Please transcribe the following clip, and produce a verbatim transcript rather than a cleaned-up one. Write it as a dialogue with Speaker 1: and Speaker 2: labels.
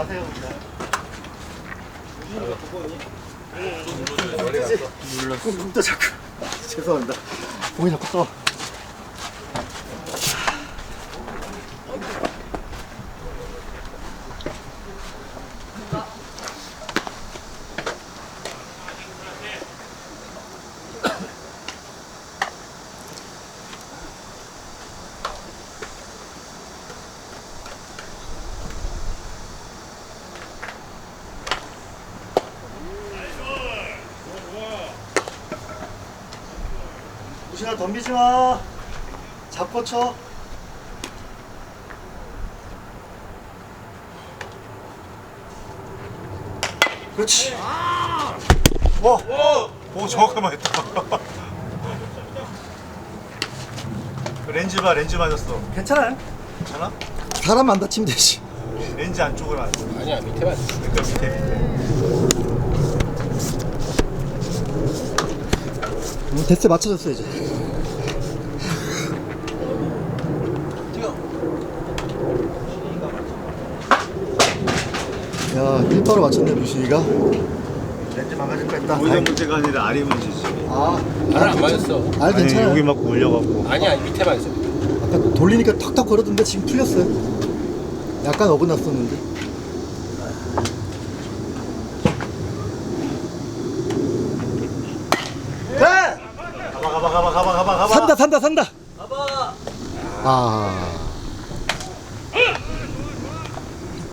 Speaker 1: 가세요 그냥. 눌렀어. 또 자꾸. 죄송합니다. 공이 자꾸 떠. 우신아 덤비지 마. 잡고 쳐. 그렇지.
Speaker 2: 와! 오, 정확하게 맞았다. 렌즈 봐, 렌즈 맞았어.
Speaker 1: 괜찮아요.
Speaker 2: 괜찮아?
Speaker 1: 사람 안 다치면 되지.
Speaker 2: 렌즈 안쪽을 맞았어.
Speaker 3: 아니야, 밑에 맞았어.
Speaker 2: 그러니까 밑에, 밑에.
Speaker 1: 음, 데스에 맞춰줬어 이제. 야, 일바로 맞췄네 루시가. 렌즈 망가질 뻔했다.
Speaker 2: 오히려 문제가 아니라 알이 문제지.
Speaker 1: 아,
Speaker 3: 알안 맞았어.
Speaker 1: 알
Speaker 2: 아니,
Speaker 1: 괜찮아.
Speaker 2: 여기 막 물려갖고.
Speaker 3: 아니야, 밑에 맞았어.
Speaker 1: 아까 돌리니까 턱턱 거렸던데 지금 풀렸어요. 약간 어긋났었는데. 네!
Speaker 2: 가봐, 가봐, 가봐, 가봐, 가봐, 가봐.
Speaker 1: 산다 산다 산다. 가봐. 아.